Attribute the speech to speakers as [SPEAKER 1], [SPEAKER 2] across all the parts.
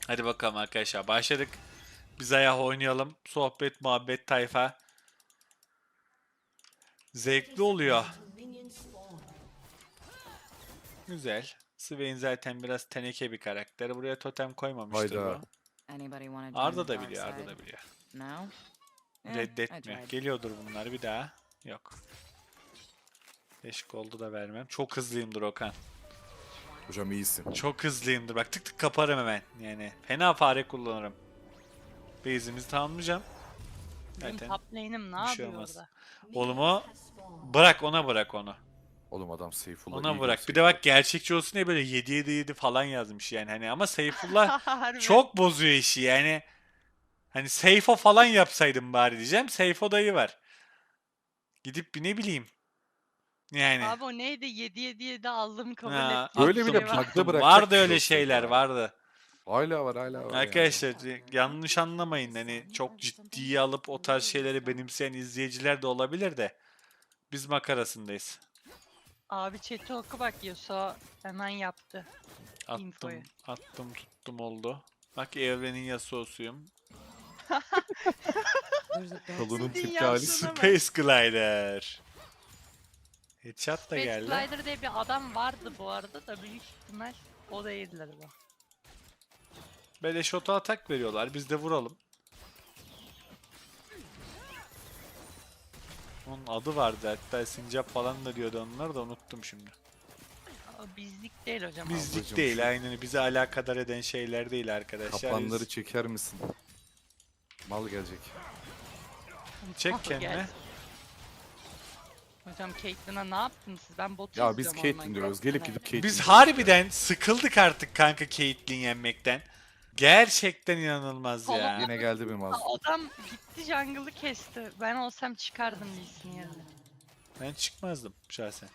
[SPEAKER 1] Hadi bakalım arkadaşlar, başladık. Biz ayağı oynayalım. Sohbet, muhabbet, tayfa. Zevkli oluyor. Güzel. Swain zaten biraz teneke bir karakter. Buraya totem koymamıştır
[SPEAKER 2] Hayda.
[SPEAKER 1] bu.
[SPEAKER 3] Anybody want to join
[SPEAKER 1] Arda
[SPEAKER 3] the
[SPEAKER 1] da
[SPEAKER 3] dark
[SPEAKER 1] biliyor, Arda
[SPEAKER 3] side?
[SPEAKER 1] da biliyor.
[SPEAKER 3] No? I
[SPEAKER 1] Reddetmiyor.
[SPEAKER 3] tried.
[SPEAKER 1] Geliyordur bunlar bir daha. Yok. 5 goldu da vermem. Çok hızlıyımdır Okan.
[SPEAKER 2] Hocam iyisin.
[SPEAKER 1] Çok hızlıyımdır. Bak tık tık kaparım hemen. Yani fena fare kullanırım. Base'imizi tamamlayacağım.
[SPEAKER 4] Benim
[SPEAKER 1] Zaten
[SPEAKER 4] top lane'im ne
[SPEAKER 1] bir şey
[SPEAKER 4] yapıyor
[SPEAKER 1] olmaz.
[SPEAKER 4] orada?
[SPEAKER 1] Oğlum o bırak, ona bırak onu.
[SPEAKER 2] Oğlum adam Seyfullah
[SPEAKER 1] Ona
[SPEAKER 2] iyi
[SPEAKER 1] bırak. Bir de
[SPEAKER 2] gösteriyor.
[SPEAKER 1] bak gerçekçi olsun diye böyle 7-7-7 falan yazmış yani hani, ama Seyfullah
[SPEAKER 4] Harbi.
[SPEAKER 1] çok bozuyor işi yani. Hani Seyfo falan yapsaydım bari diyeceğim. Seyfo dayı var. Gidip bir ne bileyim. Yani.
[SPEAKER 4] Abi o neydi? 7-7-7 aldım kabul
[SPEAKER 1] Ha,
[SPEAKER 4] ettiğim
[SPEAKER 2] Böyle
[SPEAKER 4] bir
[SPEAKER 2] bile
[SPEAKER 4] şey var.
[SPEAKER 2] bug'da bırakacak
[SPEAKER 1] vardı
[SPEAKER 2] bir şey
[SPEAKER 1] öyle
[SPEAKER 2] olsa
[SPEAKER 1] şeyler
[SPEAKER 2] ya.
[SPEAKER 1] vardı.
[SPEAKER 2] Hala var yani.
[SPEAKER 1] Arkadaşlar yanlış anlamayın, hani çok ciddiye alıp o tarz şeyleri benimseyen izleyiciler de olabilir de biz makarasındayız.
[SPEAKER 4] Abi chat'i oku bak Yasuo hemen yaptı.
[SPEAKER 1] Attım,
[SPEAKER 4] Infoyu.
[SPEAKER 1] attım, tuttum oldu. Bak evrenin Yasuo'suyum.
[SPEAKER 3] There's a dark
[SPEAKER 2] Kalının
[SPEAKER 4] Ciddi
[SPEAKER 2] tepki hali.
[SPEAKER 4] yapsana bak.
[SPEAKER 1] Space Glider. Headshot da
[SPEAKER 4] Space
[SPEAKER 1] geldi.
[SPEAKER 4] Glider diye bir adam vardı bu arada da büyük ihtimal o değildir bu.
[SPEAKER 1] Böyle shot'a atak veriyorlar. Biz de vuralım. Onun adı vardı hatta, sincap falan da diyordu, onlar da unuttum şimdi.
[SPEAKER 4] O bizlik değil hocam.
[SPEAKER 1] Bizlik
[SPEAKER 2] Ablacım
[SPEAKER 1] değil,
[SPEAKER 2] şu-
[SPEAKER 1] aynen bizi alakadar eden şeyler değil arkadaşlar.
[SPEAKER 2] Kaplanları
[SPEAKER 1] Biz-
[SPEAKER 2] çeker misin? Mal gelecek.
[SPEAKER 1] Çek
[SPEAKER 4] Al
[SPEAKER 1] kendine.
[SPEAKER 4] gelsin. Hocam Caitlyn'a ne yaptınız siz? Ben botu
[SPEAKER 2] Ya biz
[SPEAKER 4] izliyorum
[SPEAKER 2] Caitlyn
[SPEAKER 4] online.
[SPEAKER 2] diyoruz. Gelip gidip Caitlyn
[SPEAKER 1] Biz
[SPEAKER 2] diyoruz
[SPEAKER 1] harbiden sıkıldık artık kanka Caitlyn yenmekten. Gerçekten inanılmaz
[SPEAKER 4] Kolum-
[SPEAKER 1] ya.
[SPEAKER 2] Yine geldi benim ağzım.
[SPEAKER 4] Adam gitti jungle'ı kesti. Ben olsam çıkardım Lee'sin yerine.
[SPEAKER 1] Ben çıkmazdım şahsen.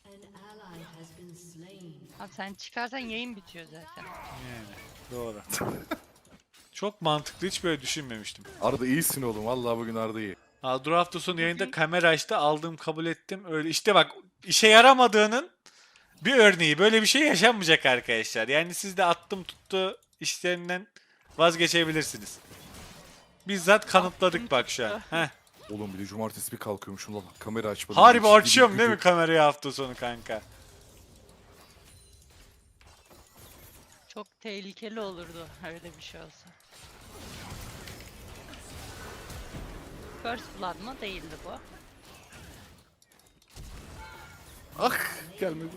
[SPEAKER 4] Abi sen çıkarsan yayın bitiyor zaten.
[SPEAKER 1] Yani doğru. Çok mantıklı, hiç böyle düşünmemiştim.
[SPEAKER 2] Arda iyisin oğlum. Vallahi bugün Arda iyi.
[SPEAKER 1] Dur hafta sonu yayında
[SPEAKER 4] Bugün-
[SPEAKER 1] kamera açtı, aldım, kabul ettim. Öyle işte, bak işe yaramadığının bir örneği. Böyle bir şey yaşanmayacak arkadaşlar. Yani siz de attım tuttu işlerinden vazgeçebilirsiniz. Bizzat kanıtladık bak şu an. Heh.
[SPEAKER 2] Oğlum bir de cumartesi bir kalkıyormuşum lan. Kamera açmadım.
[SPEAKER 1] Harbi
[SPEAKER 2] Ciddi bir
[SPEAKER 1] açıyorum değil mi
[SPEAKER 2] gücü.
[SPEAKER 1] kamerayı hafta sonu kanka?
[SPEAKER 4] Çok tehlikeli olurdu öyle bir şey olsa. First Blood mı? Değildi bu.
[SPEAKER 2] Ah gelmedi.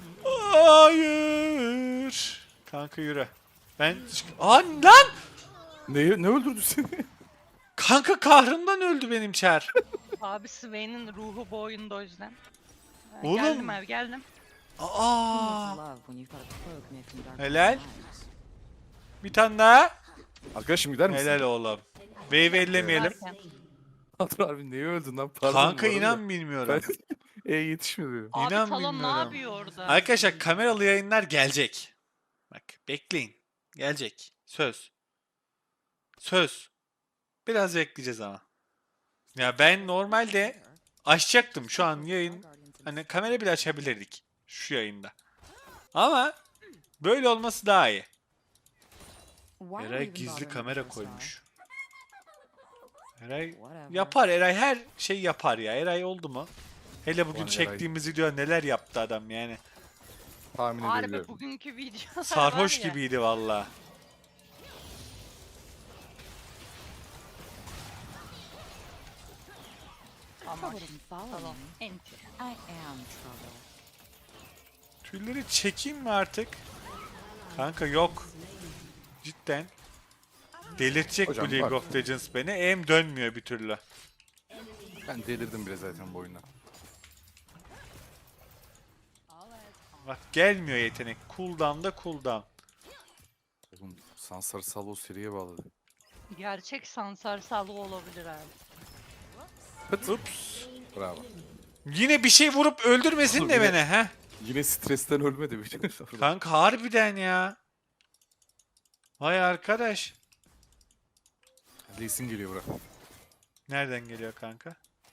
[SPEAKER 1] Hayır. Kanka yürü. Lan!
[SPEAKER 2] Ne öldürdü seni?
[SPEAKER 1] Kanka kahrından öldü benim çar.
[SPEAKER 4] Abi Swain'in ruhu bu oyunda o yüzden.
[SPEAKER 1] Oğlum.
[SPEAKER 4] Geldim abi geldim.
[SPEAKER 1] Aa!
[SPEAKER 3] love when you've got a cloak made from dark
[SPEAKER 1] Helal.
[SPEAKER 3] lives.
[SPEAKER 1] Bir tane daha.
[SPEAKER 2] Arkadaşım gider misin?
[SPEAKER 1] Helal oğlum. Wave ellemeyelim.
[SPEAKER 4] Derken,
[SPEAKER 2] Arda abi neye öldün lan? Pardon
[SPEAKER 1] Kanka
[SPEAKER 2] bu arada.
[SPEAKER 1] inan bilmiyorum.
[SPEAKER 2] Yetişmedi.
[SPEAKER 4] Abi
[SPEAKER 1] İnan
[SPEAKER 4] Talon ne
[SPEAKER 1] bilmiyorum.
[SPEAKER 4] yapıyor orada?
[SPEAKER 1] Arkadaşlar kameralı yayınlar gelecek. Bak bekleyin. Gelecek. Söz. Söz. Biraz bekleyeceğiz ama. Ya ben normalde açacaktım şu an yayın. Hani kamera bile açabilirdik şu yayında. Ama böyle olması daha iyi.
[SPEAKER 3] Why are we
[SPEAKER 1] Eray
[SPEAKER 3] even
[SPEAKER 1] gizli
[SPEAKER 3] bothering
[SPEAKER 1] kamera
[SPEAKER 3] with this now?
[SPEAKER 1] koymuş. Eray
[SPEAKER 3] Whatever.
[SPEAKER 1] yapar, Eray her şey yapar ya. Eray oldu mu? Hele bugün
[SPEAKER 2] Ulan Eray.
[SPEAKER 1] çektiğimiz video neler yaptı adam yani.
[SPEAKER 2] Tahmin
[SPEAKER 4] Harbi
[SPEAKER 2] edebiliyorum.
[SPEAKER 4] bugünkü videolar
[SPEAKER 1] Sarhoş
[SPEAKER 4] var ya.
[SPEAKER 1] gibiydi valla.
[SPEAKER 4] Ama
[SPEAKER 3] Trouble didn't follow
[SPEAKER 4] Talon.
[SPEAKER 3] me.
[SPEAKER 4] Enti.
[SPEAKER 3] I am trouble.
[SPEAKER 1] Tüyleri çekeyim mi artık? Kanka yok. Cidden. Delirtecek
[SPEAKER 2] Hocam
[SPEAKER 1] bu League
[SPEAKER 2] bak.
[SPEAKER 1] of Legends beni. Aim dönmüyor bir türlü.
[SPEAKER 2] Ben delirdim bile zaten bu oyuna.
[SPEAKER 1] Bak gelmiyor yetenek. Cooldown'da cooldown.
[SPEAKER 2] Oğlum Sansar Salvo seriye bağladı.
[SPEAKER 4] Gerçek Sansar Salvo olabilir abi.
[SPEAKER 1] Ups.
[SPEAKER 2] Bravo.
[SPEAKER 1] Yine bir şey vurup öldürmesin
[SPEAKER 2] Oğlum
[SPEAKER 1] de
[SPEAKER 2] yine-
[SPEAKER 1] beni ha.
[SPEAKER 2] Yine stresten ölmedi bir şey.
[SPEAKER 1] Kanka harbiden ya. Vay arkadaş.
[SPEAKER 2] Lee Sin geliyor bura.
[SPEAKER 1] Nereden geliyor kanka?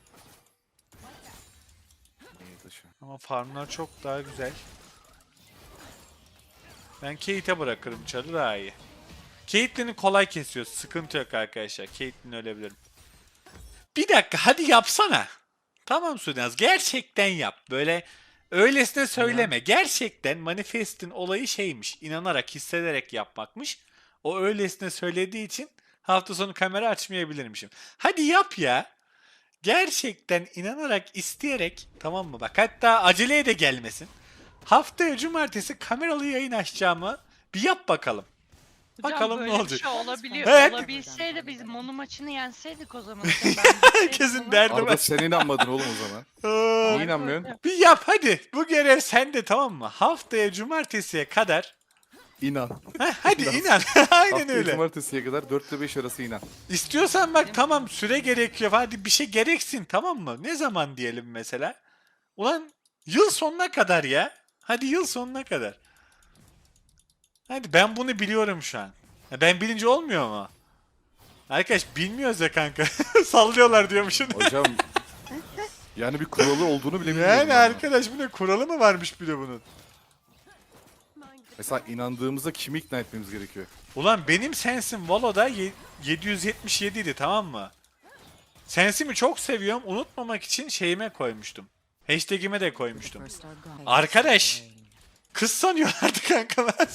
[SPEAKER 2] İyi taşı.
[SPEAKER 1] Ama farmlar çok daha güzel. Ben Kate'e bırakırım çarı, daha iyi. Caitlyn'i kolay kesiyoruz. Sıkıntı yok arkadaşlar. Caitlyn ölebilirim. Bir dakika hadi yapsana. Tamam Sudenaz gerçekten yap. Böyle öylesine söyleme. Gerçekten Manifest'in olayı şeymiş. İnanarak, hissederek yapmakmış. O öylesine söylediği için hafta sonu kamera açmayabilirmişim. Hadi yap ya. Gerçekten inanarak, isteyerek, tamam mı? Bak hatta aceleye de gelmesin. Haftaya cumartesi kameralı yayın açacağımı bir yap bakalım.
[SPEAKER 4] Hocam
[SPEAKER 1] Bakalım ne
[SPEAKER 4] böyle
[SPEAKER 1] olacak.
[SPEAKER 4] bir şey olabiliyor.
[SPEAKER 1] Evet.
[SPEAKER 4] Olabilseydi biz Monu maçını yenseydik o zaman.
[SPEAKER 1] Herkesin derdi
[SPEAKER 2] Arada
[SPEAKER 1] var.
[SPEAKER 2] sen inanmadın oğlum o zaman.
[SPEAKER 1] Aa,
[SPEAKER 2] Niye inanmıyorsun?
[SPEAKER 1] bir yap hadi. Bu görev sende tamam mı? Haftaya cumartesiye kadar.
[SPEAKER 2] İnan.
[SPEAKER 1] Hadi
[SPEAKER 2] İnan.
[SPEAKER 1] inan. Aynen
[SPEAKER 2] Haftaya
[SPEAKER 1] öyle.
[SPEAKER 2] cumartesiye kadar 4 ile 5 arası inan.
[SPEAKER 1] İstiyorsan bak tamam süre gerekiyor. Hadi bir şey gereksin tamam mı? Ne zaman diyelim mesela? Ulan yıl sonuna kadar ya. Hadi yıl sonuna kadar. Hadi ben bunu biliyorum şu an. Ya ben bilince olmuyor mu? Arkadaş bilmiyoruz ya kanka. Sallıyorlar diyormuşsun.
[SPEAKER 2] Hocam yani bir kuralı olduğunu bile bilmiyorum.
[SPEAKER 1] Yani
[SPEAKER 2] ben.
[SPEAKER 1] arkadaş bu ne kuralı mı varmış bir de bunun?
[SPEAKER 2] Mesela inandığımızda kimi ikna etmemiz gerekiyor?
[SPEAKER 1] Ulan benim sensim Valo'da 777 idi tamam mı? Sensimi çok seviyorum. Unutmamak için şeyime koymuştum. Hashtag'ime de koymuştum.
[SPEAKER 3] First are gone.
[SPEAKER 1] Arkadaş. Kız sanıyorlardı kanka ben.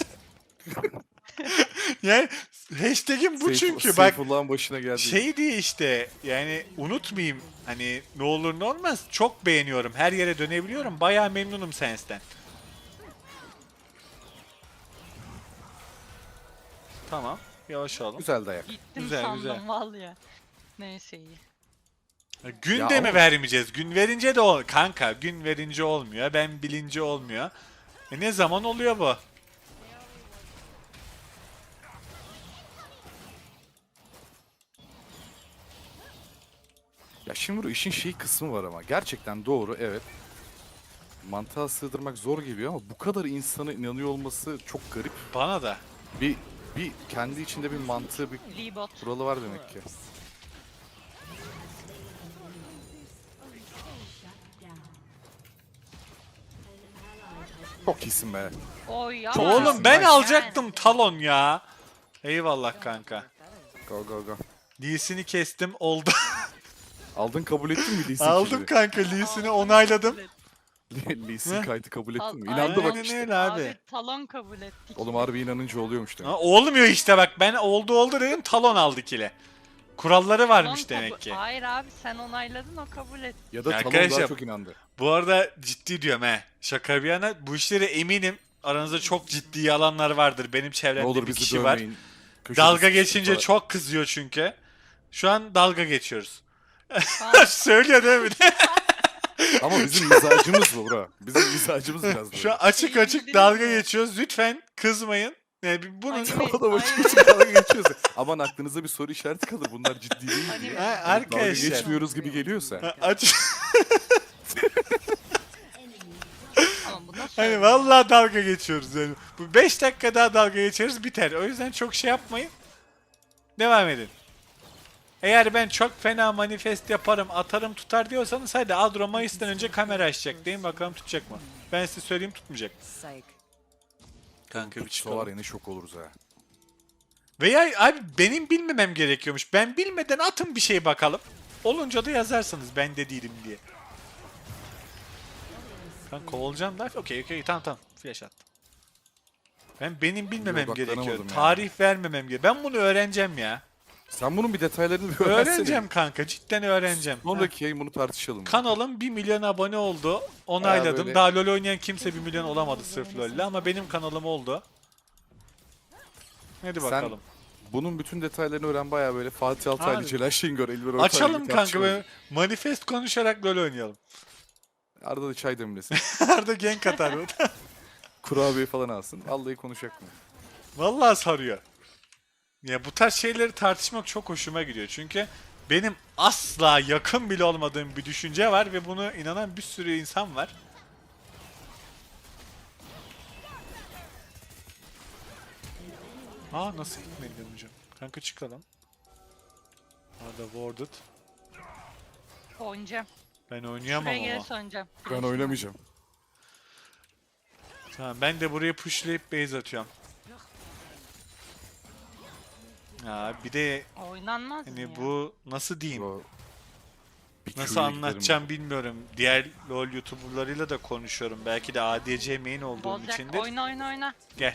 [SPEAKER 1] Yani hashtag'im bu çünkü bak
[SPEAKER 2] Seyfullah'ın başına geldi.
[SPEAKER 1] şey diye işte yani unutmayayım hani ne olur ne olmaz çok beğeniyorum her yere dönebiliyorum bayağı memnunum Sens'ten. Tamam yavaş olun.
[SPEAKER 2] Güzel dayak.
[SPEAKER 4] Gittim
[SPEAKER 1] Güzel,
[SPEAKER 4] sandım
[SPEAKER 1] güzel.
[SPEAKER 4] vallahi. Neyse iyi.
[SPEAKER 1] Gün
[SPEAKER 2] Ya
[SPEAKER 1] de mi
[SPEAKER 2] ama-
[SPEAKER 1] vermeyeceğiz? Gün verince de kanka gün verince olmuyor ben bilince olmuyor. Ne zaman oluyor bu?
[SPEAKER 2] Ya şimdi bu işin şey kısmı var ama gerçekten doğru evet. Mantığa sığdırmak zor geliyor ama bu kadar insana inanıyor olması çok garip.
[SPEAKER 1] Bana da.
[SPEAKER 2] Bir kendi içinde bir mantığı, bir
[SPEAKER 4] Libot.
[SPEAKER 2] kuralı var demek ki. Çok iyisin be.
[SPEAKER 4] Oy ya.
[SPEAKER 1] Oğlum ben alacaktım talon ya. Eyvallah kanka.
[SPEAKER 2] Go go go.
[SPEAKER 1] Lee'sini kestim oldu.
[SPEAKER 2] Aldın kabul ettin mi Lee Sin
[SPEAKER 1] Aldım
[SPEAKER 2] kill'i?
[SPEAKER 1] kanka Lee'sini onayladım.
[SPEAKER 2] Lee Sin
[SPEAKER 1] Heh.
[SPEAKER 2] kaydı kabul ettin mi?
[SPEAKER 4] Aynen
[SPEAKER 2] İnandı bak
[SPEAKER 1] Aynen
[SPEAKER 2] işte.
[SPEAKER 1] öyle abi.
[SPEAKER 4] Talon kabul ettik.
[SPEAKER 2] Oğlum harbi inanınca oluyormuş demek.
[SPEAKER 1] Ha, olmuyor işte bak ben oldu dedim talon aldı kile. Kuralları varmış
[SPEAKER 4] Talon
[SPEAKER 1] demek ki.
[SPEAKER 4] Hayır abi sen onayladın o kabul etti.
[SPEAKER 2] Ya da
[SPEAKER 1] Ya
[SPEAKER 2] Talon daha
[SPEAKER 1] arkadaşlar-
[SPEAKER 2] çok inandı.
[SPEAKER 1] Bu arada ciddi diyorum he. Şaka bir yana bu işlere eminim aranızda çok ciddi alanlar vardır. Benim
[SPEAKER 2] Ne
[SPEAKER 1] çevremde
[SPEAKER 2] olur
[SPEAKER 1] bir
[SPEAKER 2] bizi
[SPEAKER 1] kişi var.
[SPEAKER 2] dövmeyin. Köşede
[SPEAKER 1] Dalga
[SPEAKER 2] sıkıştık
[SPEAKER 1] geçince
[SPEAKER 2] falan.
[SPEAKER 1] çok kızıyor çünkü. Şu an dalga geçiyoruz.
[SPEAKER 4] Tamam.
[SPEAKER 1] Söylüyor değil mi?
[SPEAKER 2] Ama bizim mizacımız bu bro. Bizim mizacımız biraz böyle.
[SPEAKER 1] Şu an açık açık dalga geçiyoruz. Lütfen kızmayın. Yani bunun
[SPEAKER 4] Anime-
[SPEAKER 2] O da açık
[SPEAKER 4] Aynen.
[SPEAKER 2] açık dalga geçiyoruz. Aman aklınıza bir soru işareti kalır. Bunlar ciddi değil
[SPEAKER 4] Anime-
[SPEAKER 2] diye.
[SPEAKER 1] Ha,
[SPEAKER 2] Dalga
[SPEAKER 1] arkadaşlar.
[SPEAKER 2] geçmiyoruz gibi geliyorsa.
[SPEAKER 1] Aç.
[SPEAKER 4] Ama bu nasıl
[SPEAKER 1] Hani
[SPEAKER 4] öyle?
[SPEAKER 1] vallahi dalga geçiyoruz yani. Bu 5 dakika daha dalga geçeriz biter. O yüzden çok şey yapmayın. Devam edin. Eğer ben çok fena manifest yaparım, atarım tutar diyorsanız hadi Adro Mayıs'tan önce kamera açacak deyin bakalım tutacak mı? Ben size söyleyeyim tutmayacak.
[SPEAKER 3] Sake.
[SPEAKER 1] Kanka bir
[SPEAKER 2] Tutsa var ya ne şok oluruz ha.
[SPEAKER 1] Veya abi benim bilmemem gerekiyormuş. Ben bilmeden atın bir şey bakalım. Olunca da yazarsınız ben de değilim diye. Ben kovalacağım da. Okey tamam. Flash attım. Benim bilmemem
[SPEAKER 2] odaklanamadım
[SPEAKER 1] gerekiyor.
[SPEAKER 2] yani.
[SPEAKER 1] Tarih vermemem gerekiyor. Ben bunu öğreneceğim ya.
[SPEAKER 2] Sen bunun bir detaylarını bir öğrensene.
[SPEAKER 1] Öğreneceğim kanka. Cidden öğreneceğim. Ha.
[SPEAKER 2] Sonraki yayın bunu tartışalım.
[SPEAKER 1] Kanalım 1 milyon abone oldu. Onayladım.
[SPEAKER 2] böyle-
[SPEAKER 1] Daha LoL oynayan kimse 1 milyon olamadı sırf LoL'le ama benim kanalım oldu. Hadi
[SPEAKER 2] Sen
[SPEAKER 1] bakalım.
[SPEAKER 2] Bunun bütün detaylarını öğren baya böyle Fatih Altaylı,
[SPEAKER 1] Abi.
[SPEAKER 2] Celal Şengör, Elver Ortaylı
[SPEAKER 1] Açalım
[SPEAKER 2] bir
[SPEAKER 1] kanka
[SPEAKER 2] tartışma
[SPEAKER 1] böyle
[SPEAKER 2] olacak.
[SPEAKER 1] manifest konuşarak LoL oynayalım.
[SPEAKER 2] Arada da çay demlesin.
[SPEAKER 1] Arada gank atar.
[SPEAKER 2] Kurabiye falan alsın. Vallahi konuşacak mı?
[SPEAKER 1] Vallahi sarıyor. Ya bu tarz şeyleri tartışmak çok hoşuma gidiyor. Çünkü benim asla yakın bile olmadığım bir düşünce var ve bunu inanan bir sürü insan var. Aa nasıl gitmedi hocam? Kanka çıkalım. Arada warded.
[SPEAKER 4] Oynayacağım.
[SPEAKER 1] Ben oynayamam
[SPEAKER 4] Şuraya
[SPEAKER 1] ama.
[SPEAKER 4] gelirse oynayacağım.
[SPEAKER 2] Ben oynamayacağım.
[SPEAKER 1] Tamam ben de buraya pushlayıp base atıyorum. Ya bir de
[SPEAKER 4] Oynanmaz mı
[SPEAKER 1] hani
[SPEAKER 4] ya?
[SPEAKER 1] bu nasıl diyeyim?
[SPEAKER 2] Bro, bir
[SPEAKER 1] Nasıl
[SPEAKER 2] Q'ya giderim
[SPEAKER 1] anlatacağım bilmiyorum. Diğer LoL YouTuber'larıyla da konuşuyorum. Belki de ADC main olduğum
[SPEAKER 4] Olacak.
[SPEAKER 1] içindir.
[SPEAKER 4] Oyna oyna oyna.
[SPEAKER 1] Gel.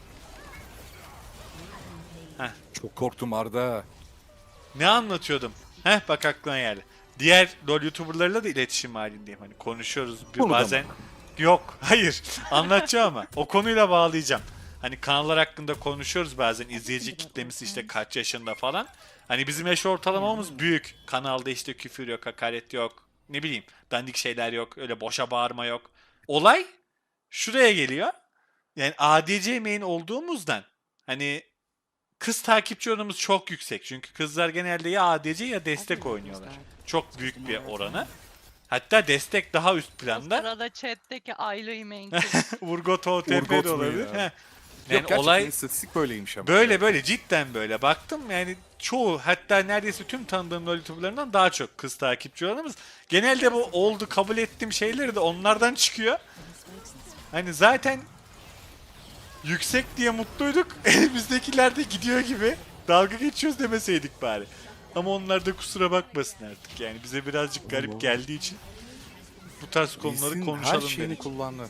[SPEAKER 2] ben. Çok korktum Arda.
[SPEAKER 1] Ne anlatıyordum? Heh bak aklına geldi. Diğer LoL YouTuber'larıyla da iletişim halindeyim. Hani konuşuyoruz
[SPEAKER 2] Konuda
[SPEAKER 1] bazen. Yok, hayır. Anlatacağım ama o konuyla bağlayacağım. Hani kanallar hakkında konuşuyoruz bazen. İzleyici kitlemiz işte kaç yaşında falan. Hani bizim yaş ortalamamız büyük. Kanalda işte küfür yok, hakaret yok. Ne bileyim, dandik şeyler yok. Öyle boşa bağırma yok. Olay şuraya geliyor. Yani ADC main olduğumuzdan hani kız takipçi oranımız çok yüksek. Çünkü kızlar genelde ya ADC ya destek oynuyorlar. Çok büyük bir oranı. Hatta destek daha üst
[SPEAKER 4] O
[SPEAKER 1] planda.
[SPEAKER 4] sırada chat'teki Ayla'yı main
[SPEAKER 1] Urgot OTP
[SPEAKER 2] Urgot
[SPEAKER 1] de
[SPEAKER 2] mu
[SPEAKER 1] olabilir.
[SPEAKER 2] ya?
[SPEAKER 1] Heh.
[SPEAKER 2] Yok
[SPEAKER 1] Yani
[SPEAKER 2] gerçekten
[SPEAKER 1] olay
[SPEAKER 2] istatistik böyleymiş ama.
[SPEAKER 1] böyle böyle cidden böyle. Baktım yani çoğu hatta neredeyse tüm tanıdığım LoL YouTuber'larından daha çok kız takipçi oranımız. Genelde bu oldu kabul ettiğim şeyleri de onlardan çıkıyor. Hani zaten yüksek diye mutluyduk. Elimizdekiler de gidiyor gibi. Dalga geçiyoruz demeseydik bari. Ama onlar da kusura bakmasın artık. Yani bize birazcık garip
[SPEAKER 2] Allah.
[SPEAKER 1] geldiği için bu tarz konuları
[SPEAKER 2] Lee'sin her
[SPEAKER 1] konuşalım
[SPEAKER 2] şeyini
[SPEAKER 1] dedik.
[SPEAKER 2] kullandı.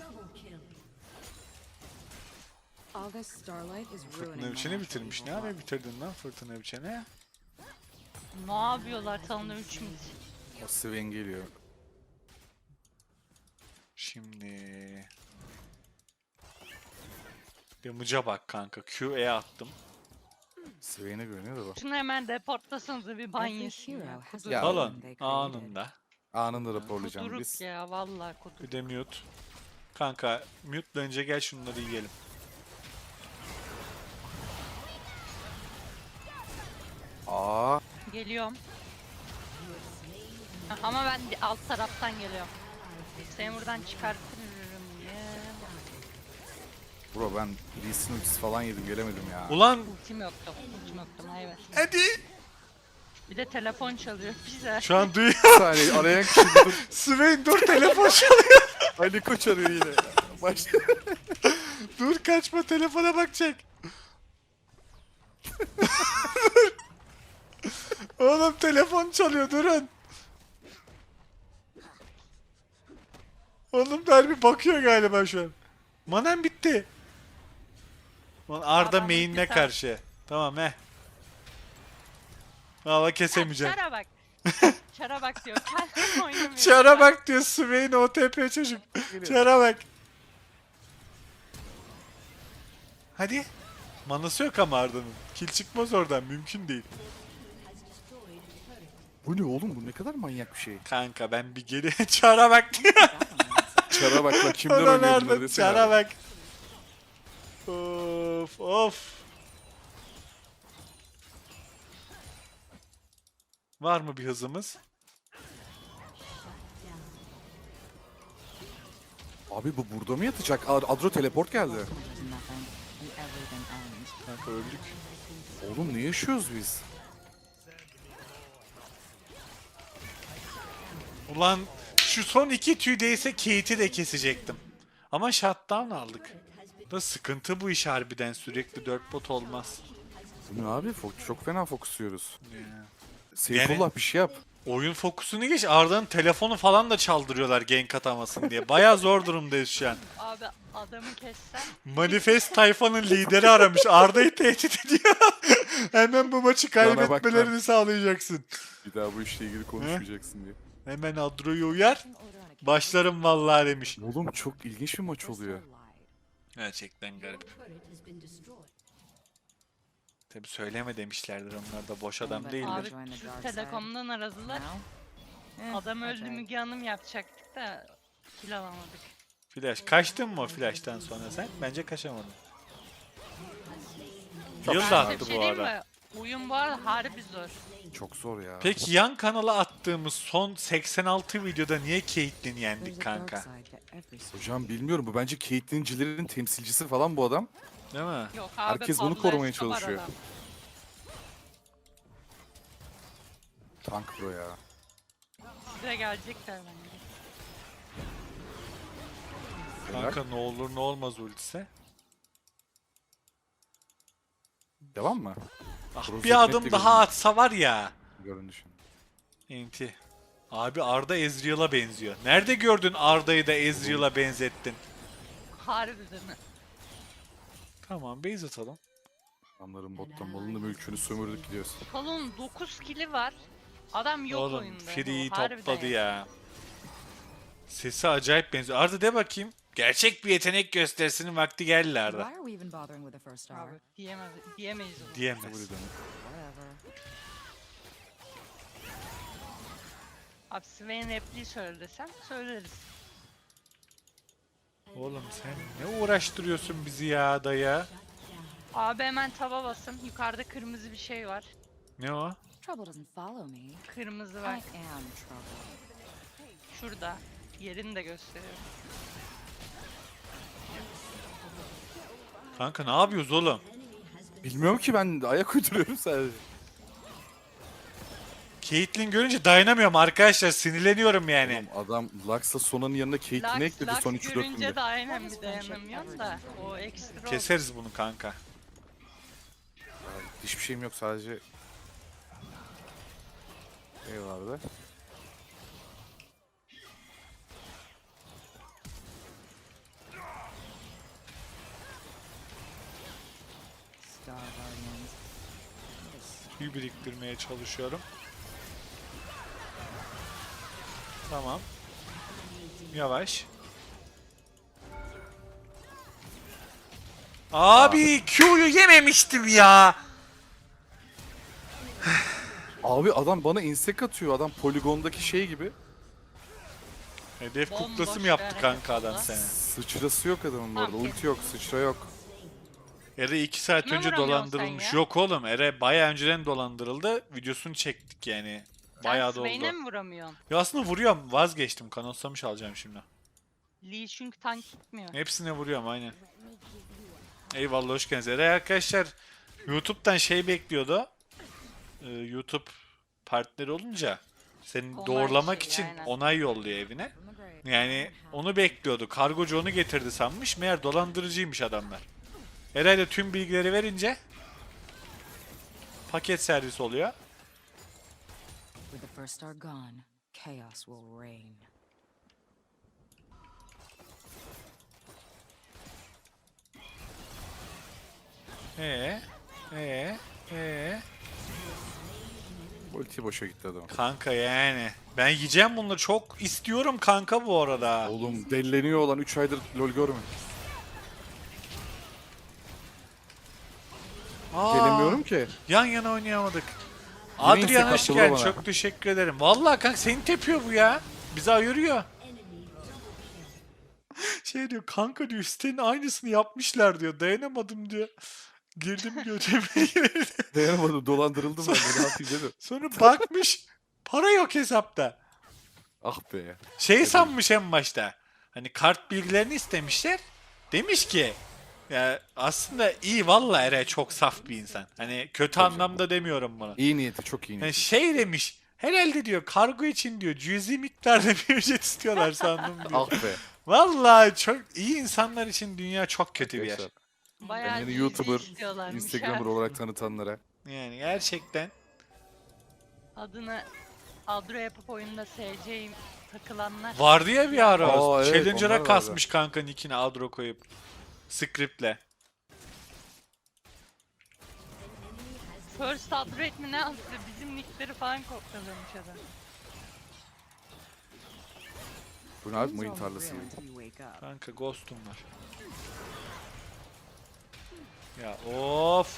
[SPEAKER 3] August Starlight is
[SPEAKER 1] Fırtına
[SPEAKER 3] ruining my
[SPEAKER 1] biçeni
[SPEAKER 3] natural
[SPEAKER 1] bitirmiş. Ne
[SPEAKER 3] evil
[SPEAKER 1] ara
[SPEAKER 3] luck.
[SPEAKER 1] bitirdin lan fırtına biçeni?
[SPEAKER 4] Ne yapıyorlar tanrı 3 mid?
[SPEAKER 2] O Sven geliyor.
[SPEAKER 1] Şimdi... Damage'a bak kanka. Q'ye attım.
[SPEAKER 2] Sven'e görünüyor da bak.
[SPEAKER 4] Şunu hemen deportlasanıza bir ban
[SPEAKER 3] Every
[SPEAKER 4] yesin ya.
[SPEAKER 3] hero has
[SPEAKER 4] Kuduruk,
[SPEAKER 3] a
[SPEAKER 2] Ya.
[SPEAKER 3] villain
[SPEAKER 1] Falan
[SPEAKER 3] they created.
[SPEAKER 1] anında.
[SPEAKER 2] Anında raporlayacağım
[SPEAKER 4] kuduruk
[SPEAKER 2] biz.
[SPEAKER 4] ya vallahi kuduruk.
[SPEAKER 1] Bir de mute. Kanka mute'la önce gel şunları yiyelim.
[SPEAKER 2] Aa,
[SPEAKER 4] Geliyorum. Ha, ama ben alt taraftan geliyorum. Seni buradan çıkartırım ya.
[SPEAKER 2] bro ben Lee'sin ultisi falan yedim gelemedim ya.
[SPEAKER 1] Ulan
[SPEAKER 4] Ultim yoktu. Ultim yoktu. Evet.
[SPEAKER 1] hadi.
[SPEAKER 4] Bir de telefon çalıyor bize.
[SPEAKER 1] Şu an duyuyor.
[SPEAKER 2] Bir saniye arayan kişi dur.
[SPEAKER 1] Swain dur telefon çalıyor.
[SPEAKER 2] Ali Koç arıyor yine. Başla.
[SPEAKER 1] Dur kaçma telefona bakacak. Oğlum telefon çalıyor durun. Oğlum Derbi bakıyor galiba şu an. Manem bitti. Lan Arda
[SPEAKER 4] Adam
[SPEAKER 1] main'ine
[SPEAKER 4] bitti,
[SPEAKER 1] karşı. Tamam he. Valla kesemeyeceğim.
[SPEAKER 4] Çara bak. Çara bak diyor. Kendim oynamıyorum.
[SPEAKER 1] Çara bak diyor Swain OTP çocuk. Çara bak. Hadi. Manası yok ama Arda'nın. Kill çıkmaz oradan mümkün değil.
[SPEAKER 2] Bu ne oğlum bu ne kadar manyak bir şey.
[SPEAKER 1] Kanka ben bir geri Çara bak diyor.
[SPEAKER 2] Çara bak lan kimler
[SPEAKER 1] Ulan
[SPEAKER 2] oynuyor bunları
[SPEAKER 1] Arda
[SPEAKER 2] desene.
[SPEAKER 1] Çara
[SPEAKER 2] abi.
[SPEAKER 1] bak. Of of. Var mı bir hızımız?
[SPEAKER 2] Abi bu burada mı yatacak? Adro teleport geldi.
[SPEAKER 3] To nothing, and everything ends.
[SPEAKER 1] Kanka öldük.
[SPEAKER 2] Oğlum ne yaşıyoruz biz?
[SPEAKER 1] Ulan şu son iki tüy değse Kate'i de kesecektim. Ama shutdown aldık. Da sıkıntı bu iş harbiden sürekli 4 bot olmaz.
[SPEAKER 2] Bu ne abi? Çok fena fokusluyoruz.
[SPEAKER 1] Ya.
[SPEAKER 2] Seyfullah bir şey yap.
[SPEAKER 1] Oyun fokusunu geç Arda'nın telefonu falan da çaldırıyorlar gank atamasın diye. Baya zor durumdayız şu an.
[SPEAKER 4] Abi adamı kessen.
[SPEAKER 1] Manifest tayfanın lideri aramış. Arda'yı tehdit ediyor. Hemen bu maçı
[SPEAKER 2] Bana bak
[SPEAKER 1] kaybetmelerini
[SPEAKER 2] lan.
[SPEAKER 1] sağlayacaksın.
[SPEAKER 2] Bir daha bu işle ilgili konuşmayacaksın diye.
[SPEAKER 1] Hemen Adro'yu uyar. Başlarım vallahi demiş.
[SPEAKER 2] Oğlum çok ilginç bir maç oluyor.
[SPEAKER 1] Gerçekten garip. Tabi söyleme demişlerdir onlar da boş adam değiller.
[SPEAKER 4] Abi Türk Telekom'dan aradılar. Adam öldü Müge Hanım yapacaktık da kill alamadık.
[SPEAKER 1] Flash. Kaçtın mı o flash'tan sonra sen? Bence kaçamadın. Yıl da
[SPEAKER 4] Ben
[SPEAKER 1] attı
[SPEAKER 4] bir
[SPEAKER 1] bu
[SPEAKER 4] şey diyeyim
[SPEAKER 1] ara.
[SPEAKER 4] mi? Oyun bu arada harbi zor.
[SPEAKER 2] Çok zor ya.
[SPEAKER 1] Peki yan kanala attığımız son 86 videoda niye Caitlyn yendik kanka?
[SPEAKER 2] Hocam bilmiyorum bu bence Caitlyn'cilerin temsilcisi falan bu adam.
[SPEAKER 1] Değil mi?
[SPEAKER 4] Yok abi
[SPEAKER 2] Herkes bunu
[SPEAKER 4] Pablo
[SPEAKER 2] korumaya
[SPEAKER 4] Escobar
[SPEAKER 2] çalışıyor.
[SPEAKER 4] adam.
[SPEAKER 2] Tank bro ya.
[SPEAKER 4] Size gelecekler bence.
[SPEAKER 1] Kanka ne olur ne olmaz ultise.
[SPEAKER 2] Devam mı?
[SPEAKER 1] Ah,
[SPEAKER 2] Cross
[SPEAKER 1] bir adım
[SPEAKER 2] etmekle
[SPEAKER 1] daha
[SPEAKER 2] görünüyor.
[SPEAKER 1] atsa var ya.
[SPEAKER 2] Görünüşün.
[SPEAKER 1] Enti. Abi Arda Ezreal'a benziyor. Nerede gördün Arda'yı da Ezreal'a benzettin?
[SPEAKER 4] Harbiden.
[SPEAKER 1] Tamam base atalım.
[SPEAKER 2] Adamların bottan malını mülkünü sömürdük gidiyoruz.
[SPEAKER 4] Salonun 9 kili var. Adam yok
[SPEAKER 1] Oğlum
[SPEAKER 4] oyunda.
[SPEAKER 1] Free'yi
[SPEAKER 4] Harbiden
[SPEAKER 1] topladı
[SPEAKER 4] yok.
[SPEAKER 1] ya. Sesi acayip benziyor. Arda de bakayım. Gerçek bir yetenek gösterisinin vakti geldi Arda.
[SPEAKER 3] Why are we even bothering with the first star?
[SPEAKER 4] Abi diyemeyiz onu.
[SPEAKER 1] Diyemez.
[SPEAKER 2] W'den.
[SPEAKER 3] Whatever.
[SPEAKER 4] Abi Swain repliği söyle desem söyleriz.
[SPEAKER 1] Oğlum sen ne uğraştırıyorsun bizi ya dayı?
[SPEAKER 4] Abi hemen taba basın. Yukarıda kırmızı bir şey var.
[SPEAKER 1] Ne o?
[SPEAKER 3] Trouble doesn't follow me.
[SPEAKER 4] Kırmızı
[SPEAKER 3] I
[SPEAKER 4] var.
[SPEAKER 3] am trouble.
[SPEAKER 4] Şurada. Yerini de gösteriyorum.
[SPEAKER 1] Kanka ne yapıyoruz oğlum?
[SPEAKER 2] Bilmiyorum ki, ben ayak uyduruyorum sadece.
[SPEAKER 1] Caitlyn görünce dayanamıyorum arkadaşlar. Sinirleniyorum yani.
[SPEAKER 2] Oğlum adam Lux'la Sona'nın yanına Caitlyn'i ekledi son 3-4
[SPEAKER 4] görünce
[SPEAKER 2] günde.
[SPEAKER 4] de aynen bir dayanamıyorum da. O ekstra oldu.
[SPEAKER 1] Keseriz bunu kanka.
[SPEAKER 2] Hiçbir şeyim yok sadece. Ne vardı?
[SPEAKER 3] Star Guardians.
[SPEAKER 1] Tüy biriktirmeye çalışıyorum. Tamam. Yavaş. Abi Q'yu yememiştim ya.
[SPEAKER 2] Abi adam bana insek atıyor. Adam poligondaki şey gibi.
[SPEAKER 1] Hedef
[SPEAKER 4] Bomboş
[SPEAKER 1] kuklası mı
[SPEAKER 4] bir
[SPEAKER 1] yaptı
[SPEAKER 4] hareket
[SPEAKER 1] kanka adam
[SPEAKER 4] oldu.
[SPEAKER 1] seni?
[SPEAKER 2] Sıçrası yok adamın bu arada.
[SPEAKER 4] Tamam,
[SPEAKER 2] Ulti yok, sıçra yok.
[SPEAKER 1] Ere 2 saat
[SPEAKER 4] Kime
[SPEAKER 1] önce
[SPEAKER 4] vuramıyorsun
[SPEAKER 1] dolandırılmış.
[SPEAKER 4] sen ya?
[SPEAKER 1] Yok oğlum Ere bayağı önceden dolandırıldı. Videosunu çektik yani. Bayağı da
[SPEAKER 4] Sen Swain'e
[SPEAKER 1] oldu.
[SPEAKER 4] mi vuramıyorsun?
[SPEAKER 1] Ya aslında vuruyorum vazgeçtim. Kanonsamış alacağım şimdi.
[SPEAKER 4] Lee çünkü tank gitmiyor.
[SPEAKER 1] Hepsine vuruyorum aynen. Eyvallah hoş geldiniz. Ere arkadaşlar YouTube'dan şey bekliyordu. YouTube partneri olunca seni
[SPEAKER 4] Onay
[SPEAKER 1] doğrulamak
[SPEAKER 4] şeyi,
[SPEAKER 1] için
[SPEAKER 4] aynen.
[SPEAKER 1] onay yolluyor evine.
[SPEAKER 3] From the grave.
[SPEAKER 1] Yani onu bekliyordu. Kargocu onu getirdi sanmış. Meğer dolandırıcıymış adamlar. Herhalde tüm bilgileri verince paket servis oluyor.
[SPEAKER 3] With the first star gone, chaos will reign.
[SPEAKER 1] Ee, ee.
[SPEAKER 2] Ulti boşa gitti adam.
[SPEAKER 1] Kanka yani. Ben yiyeceğim bunları. Çok istiyorum kanka bu arada.
[SPEAKER 2] Oğlum delleniyor olan 3 aydır LoL görmedim.
[SPEAKER 1] Aa,
[SPEAKER 2] Gelemiyorum ki.
[SPEAKER 1] yan yana oynayamadık.
[SPEAKER 2] Yine
[SPEAKER 1] Adrian
[SPEAKER 2] insek
[SPEAKER 1] hoş
[SPEAKER 2] attı
[SPEAKER 1] geldin.
[SPEAKER 2] bana.
[SPEAKER 1] Çok teşekkür ederim. Vallahi kanka seni tepiyor bu ya. Bizi ayırıyor. Şey diyor kanka diyor sitenin aynısını yapmışlar diyor. Dayanamadım diyor. Girdim götürmeye girdim.
[SPEAKER 2] Dayanamadım, dolandırıldım ben de, ne yapayım dedim.
[SPEAKER 1] Sonra bakmış para yok hesapta.
[SPEAKER 2] Ah be.
[SPEAKER 1] Şey sanmış en başta. Hani kart bilgilerini istemişler. Demiş ki ya aslında iyi vallahi Eray çok saf bir insan. Hani kötü anlamda demiyorum bunu.
[SPEAKER 2] İyi niyeti, çok iyi
[SPEAKER 1] Yani
[SPEAKER 2] niyeti.
[SPEAKER 1] şey demiş. Herhalde diyor kargo için diyor cüzi miktarda bir ücret istiyorlar sandım diyor.
[SPEAKER 2] Ah be.
[SPEAKER 1] Vallahi çok iyi insanlar için dünya çok kötü bir yer.
[SPEAKER 2] Arkadaşlar,
[SPEAKER 4] Bayağı
[SPEAKER 2] kendini
[SPEAKER 4] ciddi
[SPEAKER 2] YouTuber,
[SPEAKER 4] istiyorlarmış
[SPEAKER 2] Instagramer
[SPEAKER 4] ha.
[SPEAKER 2] olarak tanıtanlara.
[SPEAKER 1] Yani gerçekten.
[SPEAKER 4] Adını Adro yapıp oyunda SC'yim takılanlar.
[SPEAKER 1] Vardı ya bir ara.
[SPEAKER 2] Aa, evet, onlar
[SPEAKER 1] Challenger'a
[SPEAKER 2] vardı.
[SPEAKER 1] kasmış kanka nickini Adro koyup. Script'le.
[SPEAKER 4] First upgrade mi ne yaptı? Bizim nickleri falan kopyalamış adam.
[SPEAKER 2] Bu ne abi,
[SPEAKER 3] Things
[SPEAKER 2] mayın
[SPEAKER 3] all
[SPEAKER 2] tarlası
[SPEAKER 3] real
[SPEAKER 2] gibi.
[SPEAKER 3] until you wake up.
[SPEAKER 1] Kanka ghost'um var. Ya of.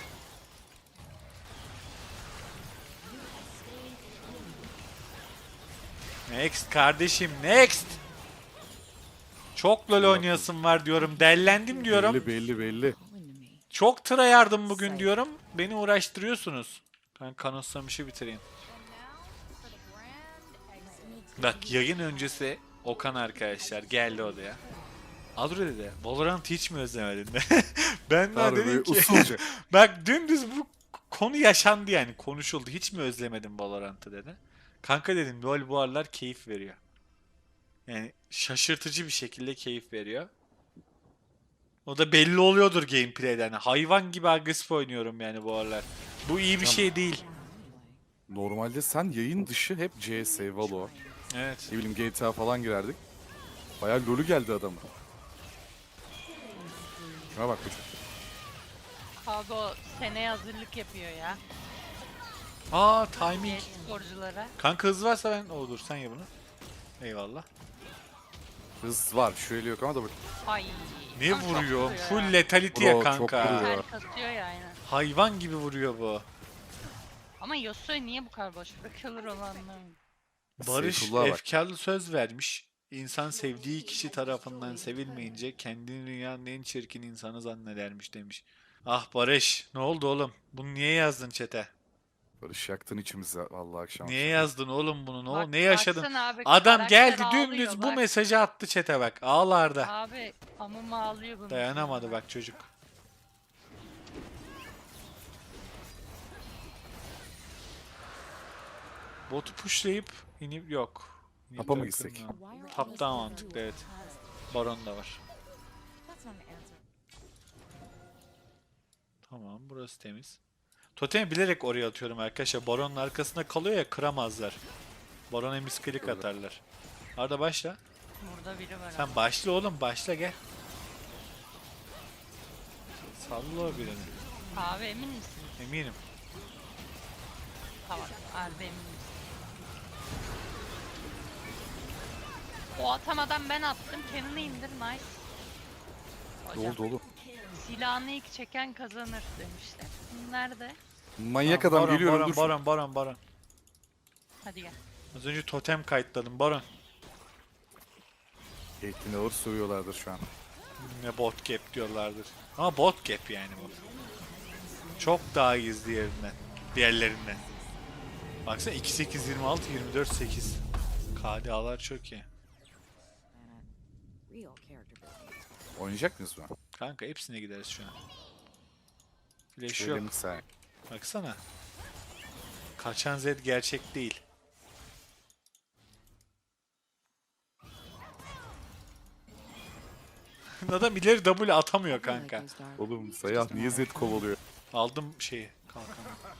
[SPEAKER 1] Next kardeşim next. Çok LoL oynayasım var diyorum. Dellendim diyorum.
[SPEAKER 2] Belli belli belli.
[SPEAKER 3] Calling to me.
[SPEAKER 1] Çok tıra yardım bugün diyorum. Beni uğraştırıyorsunuz. Ben kanıtsamışı bitireyim. Bak yayın öncesi Okan arkadaşlar geldi odaya. Adro dedi. Valorant hiç mi özlemedin de? Ben de
[SPEAKER 2] Harbi
[SPEAKER 1] dedim ki.
[SPEAKER 2] usulca.
[SPEAKER 1] Bak dümdüz bu konu yaşandı yani konuşuldu. Hiç mi özlemedin Valorant'ı dedi. Kanka dedim LoL bu aralar keyif veriyor. Yani şaşırtıcı bir şekilde keyif veriyor. O da belli oluyordur gameplay'den. Hayvan gibi agresif oynuyorum yani bu aralar. Bu iyi bir şey değil.
[SPEAKER 2] Normalde sen yayın dışı hep CS, Valo,
[SPEAKER 1] Evet.
[SPEAKER 2] ne bileyim GTA falan girerdik. Bayağı lolü geldi adamın. Şuna bak çocuk.
[SPEAKER 4] Abi o seneye hazırlık yapıyor ya.
[SPEAKER 1] Aa timing.
[SPEAKER 4] Genç sporculara.
[SPEAKER 1] Kanka hız varsa ben olur sen ya bunu. Eyvallah.
[SPEAKER 2] Hız var, şöyle yok ama da bak.
[SPEAKER 4] Ay.
[SPEAKER 1] Ne
[SPEAKER 4] ama çok
[SPEAKER 1] vuruyor?
[SPEAKER 4] vuruyor
[SPEAKER 1] Full
[SPEAKER 4] ya.
[SPEAKER 1] letality
[SPEAKER 2] Bro,
[SPEAKER 1] ya
[SPEAKER 2] çok
[SPEAKER 1] kanka.
[SPEAKER 2] vuruyor.
[SPEAKER 4] Ter kasıyor ya aynen.
[SPEAKER 1] Hayvan gibi vuruyor bu.
[SPEAKER 4] Ama Yasuo'yu niye bu kadar boş bırakıyorlar onu anlamıyorum.
[SPEAKER 1] Barış
[SPEAKER 2] Seyfullah'a bak.
[SPEAKER 1] efkarlı söz vermiş. İnsan sevdiği kişi tarafından sevilmeyince kendini dünyanın en çirkin insanı zannedermiş demiş. Ah Barış, ne oldu oğlum? Bunu niye yazdın çete?
[SPEAKER 2] Barış yaktın içimizi vallahi akşam
[SPEAKER 1] Niye
[SPEAKER 2] akşam.
[SPEAKER 1] yazdın oğlum bunu?
[SPEAKER 4] Bak,
[SPEAKER 1] Ne yaşadın?
[SPEAKER 4] baksana abi,
[SPEAKER 1] Adam
[SPEAKER 4] karakter
[SPEAKER 1] geldi
[SPEAKER 4] ağlıyor,
[SPEAKER 1] dümdüz bu
[SPEAKER 4] bak.
[SPEAKER 1] mesajı attı çete bak. Ağlarda.
[SPEAKER 4] Abi amıma ağlıyor bunu.
[SPEAKER 1] Dayanamadı bak çocuk. Botu pushlayıp inip yok. İnip
[SPEAKER 2] Tapa mı
[SPEAKER 1] de
[SPEAKER 2] gitsek?
[SPEAKER 1] kırmıyor. Top daha mantıklı evet. Baron da var. Tamam burası temiz. Totemi bilerek oraya atıyorum arkadaşlar. Baron'un arkasında kalıyor ya kıramazlar. Baron'a misklik atarlar. Arda başla.
[SPEAKER 4] Burada biri var abi.
[SPEAKER 1] Sen başla oğlum başla gel. Salla o birini.
[SPEAKER 4] Abi emin misin?
[SPEAKER 1] Eminim.
[SPEAKER 4] Tamam. Harbi emin misin? O atamadan ben attım. Kendini indir. Nice.
[SPEAKER 2] Ne
[SPEAKER 4] Hocam,
[SPEAKER 2] oldu oğlum?
[SPEAKER 4] silahını ilk çeken kazanır demişler. Nerede?
[SPEAKER 2] Manyak
[SPEAKER 1] Tamam,
[SPEAKER 2] adam
[SPEAKER 1] Baron,
[SPEAKER 2] geliyorum
[SPEAKER 1] Baron,
[SPEAKER 2] dur.
[SPEAKER 1] Baron, Baron, Baron.
[SPEAKER 4] Hadi gel.
[SPEAKER 1] Az önce totem kayıtladım Baron.
[SPEAKER 2] Caitlyn'i ağır sövüyorlardır şu an.
[SPEAKER 1] Ne bot gap diyorlardır. Ama bot gap yani bu. Çok daha iyiyiz diğerlerinden. Baksana 2-8-26, 24-8. KDA'lar çok iyi.
[SPEAKER 3] Real character building.
[SPEAKER 2] Oynayacak mıyız bu?
[SPEAKER 1] Kanka hepsine gideriz şu an. Flash
[SPEAKER 2] Şöyle
[SPEAKER 1] yok.
[SPEAKER 2] mikser.
[SPEAKER 1] Baksana. Kaçan Z gerçek değil. Adam ileri W atamıyor kanka.
[SPEAKER 2] Oğlum Sayah niye Z kovalıyor?
[SPEAKER 1] Aldım şeyi. Kalkanı.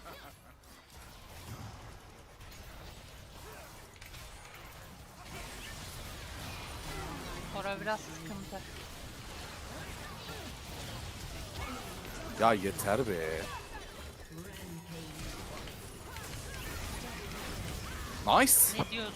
[SPEAKER 4] Ora biraz sıkıntı.
[SPEAKER 2] Ya yeter be. Nice.
[SPEAKER 4] Ne diyorsun?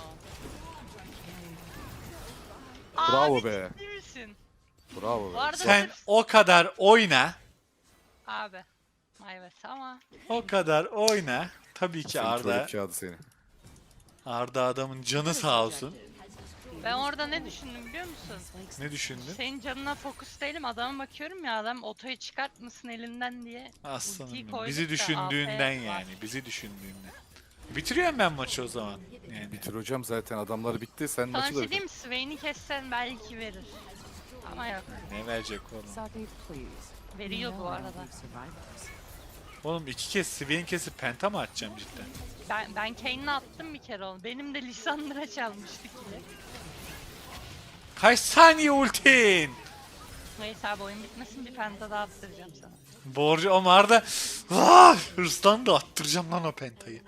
[SPEAKER 2] Bravo
[SPEAKER 4] Abi,
[SPEAKER 2] be.
[SPEAKER 4] ciddi misin?
[SPEAKER 2] Bravo
[SPEAKER 4] Bu
[SPEAKER 2] be.
[SPEAKER 4] arada
[SPEAKER 1] Sen
[SPEAKER 4] sırf-
[SPEAKER 1] o kadar oyna.
[SPEAKER 4] Abi. Evet ama
[SPEAKER 1] O kadar oyna. Tabii ki
[SPEAKER 2] Senin
[SPEAKER 1] Arda.
[SPEAKER 2] tuvalet kağıdı seni.
[SPEAKER 1] Arda adamın canı sağ olsun.
[SPEAKER 4] ben orada ne düşündüm biliyor musun?
[SPEAKER 1] Ne düşündün?
[SPEAKER 4] Senin canına fokus değilim, adama bakıyorum ya, adam otoyu çıkartmasın elinden diye.
[SPEAKER 1] Aslanım
[SPEAKER 4] ultiyi
[SPEAKER 1] benim.
[SPEAKER 4] koyduk
[SPEAKER 1] Bizi
[SPEAKER 4] da
[SPEAKER 1] düşündüğünden
[SPEAKER 4] AF var.
[SPEAKER 1] yani. Bizi düşündüğünden. Bitiriyorum ben maçı o zaman. Yani.
[SPEAKER 2] Bitir hocam zaten adamlar bitti. Sen
[SPEAKER 4] Sana bir
[SPEAKER 2] maçı da
[SPEAKER 4] şey
[SPEAKER 2] bitir.
[SPEAKER 4] diyeyim mi? Swain'i kessen belki verir. Ama yok.
[SPEAKER 1] Ne verecek oğlum?
[SPEAKER 3] Saki, please.
[SPEAKER 4] Veriyor
[SPEAKER 3] You
[SPEAKER 4] bu
[SPEAKER 3] know I
[SPEAKER 4] arada.
[SPEAKER 3] leave survivors.
[SPEAKER 1] Oğlum 2 kez Swain kesip penta mı atacağım cidden?
[SPEAKER 4] Ben Kane'le attım bir kere onu. Benim de Lisandra çalmıştı ki.
[SPEAKER 1] Kaç saniye ultin?
[SPEAKER 4] Neyse abi, oyun bitmesin, bir penta daha attıracağım sana.
[SPEAKER 1] Borcu ama Arda ah, hırslan da attıracağım lan o pentayı.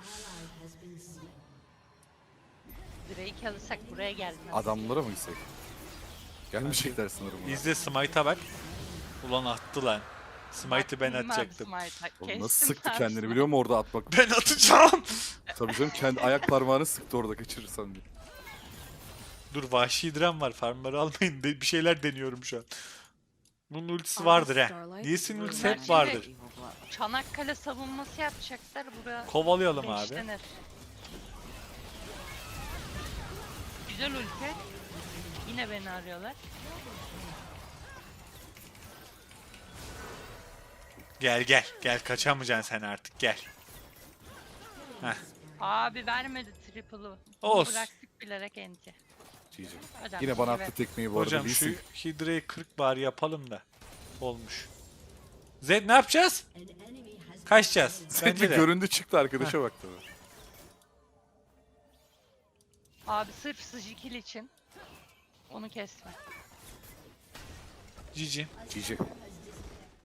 [SPEAKER 4] Drake alırsak buraya gelmez.
[SPEAKER 2] Adamlara mı gitsek? Gelmeyecekler sanırım. buna.
[SPEAKER 1] İzle Smite'a bak. Ulan attı lan. Smite'ı ben
[SPEAKER 4] Baktım abi
[SPEAKER 1] atacaktım.
[SPEAKER 4] Smite'a.
[SPEAKER 2] Oğlum
[SPEAKER 4] Kestim
[SPEAKER 2] nasıl sıktı
[SPEAKER 4] abi
[SPEAKER 2] kendini
[SPEAKER 4] Smite'ı.
[SPEAKER 2] biliyor musun orada atmak?
[SPEAKER 1] Ben atacağım.
[SPEAKER 2] Tabii canım kendi ayak parmağını sıktı orada kaçırırsan diye.
[SPEAKER 1] Dur vahşi diren var. Farmları almayın. Bir şeyler deniyorum şu an. Bunun ultisi vardır he. Lee'sin ultisi hep vardır.
[SPEAKER 4] Çanakkale savunması yapacaklar buraya.
[SPEAKER 1] Kovalayalım abi.
[SPEAKER 4] Beşlenir. Güzel ülke. Yine beni arıyorlar.
[SPEAKER 1] Gel gel. Gel kaçamayacaksın sen artık gel. Heh.
[SPEAKER 4] Abi vermedi triple'ı. Bunu
[SPEAKER 1] Olsun.
[SPEAKER 4] bıraktık bilerek enti.
[SPEAKER 2] GG.
[SPEAKER 4] Hocam,
[SPEAKER 2] Yine bana
[SPEAKER 4] iyi
[SPEAKER 2] attı
[SPEAKER 4] be.
[SPEAKER 2] tekmeyi bu arada.
[SPEAKER 1] Hocam
[SPEAKER 2] Lee
[SPEAKER 1] şu
[SPEAKER 2] Sin.
[SPEAKER 1] Hydra'yı 40 bari yapalım da. Olmuş. Zed ne yapacağız? Kaçacağız.
[SPEAKER 2] Sen
[SPEAKER 1] Bence
[SPEAKER 2] bir
[SPEAKER 1] de.
[SPEAKER 2] göründü çıktı arkadaşa bak tabii.
[SPEAKER 4] Abi sırf sıcı kill için onu kesme.
[SPEAKER 1] GG.
[SPEAKER 2] GG.